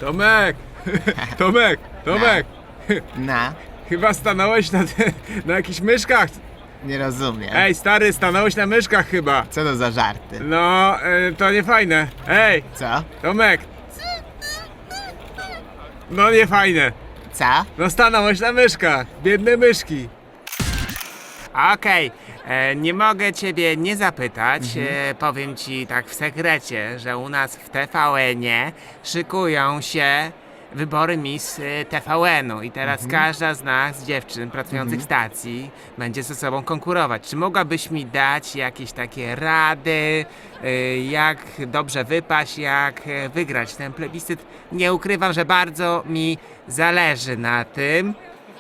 Tomek! Tomek! Tomek! Na, Chyba stanąłeś na jakichś myszkach. nie rozumiem. Ej, stary, stanąłeś na myszkach chyba. Co to za żarty? No, to nie fajne. Ej, Co? Tomek! No nie fajne. Co? No stanąłeś na myszkach. Biedne myszki. Okej, nie mogę ciebie nie zapytać. Powiem ci tak w sekrecie, że u nas w TVN-ie szykują się wybory Miss TVN-u i teraz każda z nas, dziewczyn pracujących w stacji, będzie ze sobą konkurować. Czy mogłabyś mi dać jakieś takie rady, jak dobrze wypaść, jak wygrać ten plebiscyt? Nie ukrywam, że bardzo mi zależy na tym.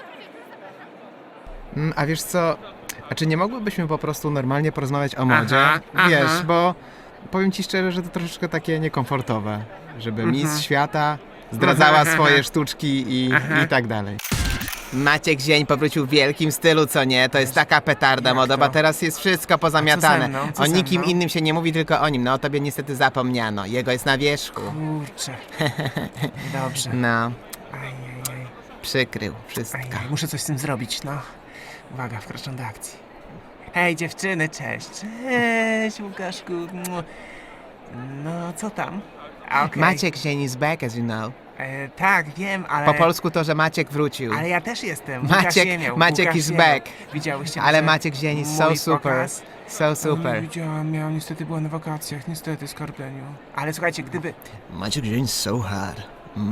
A wiesz co? A czy nie mogłybyśmy po prostu normalnie porozmawiać o modzie? Aha, Wiesz, aha. bo powiem ci szczerze, że to troszeczkę takie niekomfortowe, żeby Miss Świata zdradzała swoje sztuczki i tak dalej. Maciek Zień powrócił w wielkim stylu, co nie? To jest taka petarda modowa, teraz jest wszystko pozamiatane. mną? Co O ze nikim mną? innym się nie mówi, tylko o nim. No o tobie niestety zapomniano. Jego jest na wierzchu. Kurczę. Dobrze. No, Ajajaj. przykrył wszystko. Ajaj, muszę coś z tym zrobić, no. Uwaga, wkraczam do akcji. Hej dziewczyny, cześć. Cześć Łukaszku. No, co tam? Okej. Maciek Zień is back, as you know. Tak, wiem, ale... Po polsku to, że Maciek wrócił. Ale ja też jestem. Maciek- Łukasz Ziemiał, Maciek Łukasz is Ziemiał. back. Widziałyście Ale może Maciek Zień is so mój super. pokaz? So super. Widziałam, niestety była na wakacjach, niestety, skarbeniu. Ale słuchajcie, gdyby... Maciek Zień is so hard.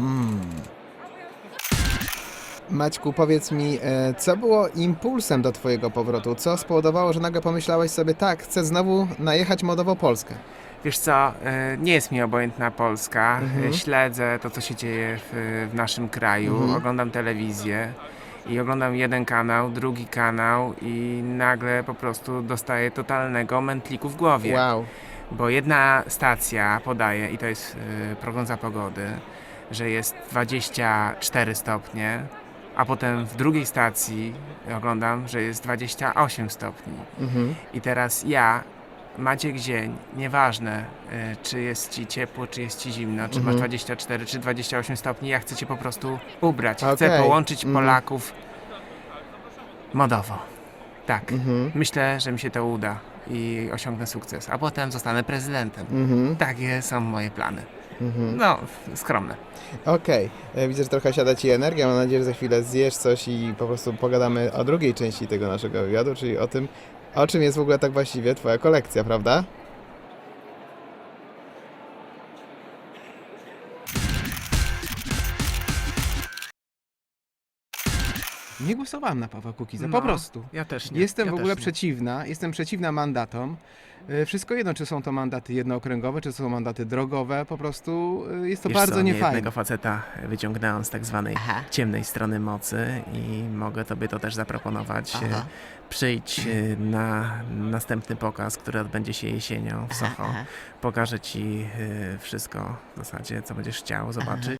Maćku, powiedz mi, co było impulsem do twojego powrotu? Co spowodowało, że nagle pomyślałeś sobie, tak, chcę znowu najechać modowo Polskę? Wiesz co, nie jest mi obojętna Polska. Śledzę to, co się dzieje w naszym kraju. Oglądam telewizję i oglądam jeden kanał, drugi kanał i nagle po prostu dostaję totalnego mętliku w głowie. Wow. Bo jedna stacja podaje, i to jest prognoza pogody, że jest 24 stopnie, a potem w drugiej stacji oglądam, że jest 28 stopni. I teraz ja, Maciek Zień, nieważne czy jest ci ciepło, czy jest ci zimno, czy masz 24, czy 28 stopni, ja chcę cię po prostu ubrać. Chcę Okej. połączyć Polaków modowo. Tak, myślę, że mi się to uda i osiągnę sukces, a potem zostanę prezydentem. Takie są moje plany. No, skromne. Okej, widzę, że trochę siada ci energia. Mam nadzieję, że za chwilę zjesz coś i po prostu pogadamy o drugiej części tego naszego wywiadu, czyli o tym, o czym jest w ogóle tak właściwie twoja kolekcja, prawda? Nie głosowałam na Pawła Kukiza, po No, prostu. Ja też nie. Jestem ja w ogóle też nie. jestem przeciwna mandatom. Wszystko jedno, czy są to mandaty jednookręgowe, czy są mandaty drogowe, po prostu jest to Wiesz bardzo co, niefajne. jednego faceta wyciągnęłam z tak zwanej Aha. ciemnej strony mocy i mogę tobie to też zaproponować. Aha. Przyjdź na następny pokaz, który odbędzie się jesienią w Soho. aha. Pokażę ci wszystko w zasadzie, co będziesz chciał zobaczyć.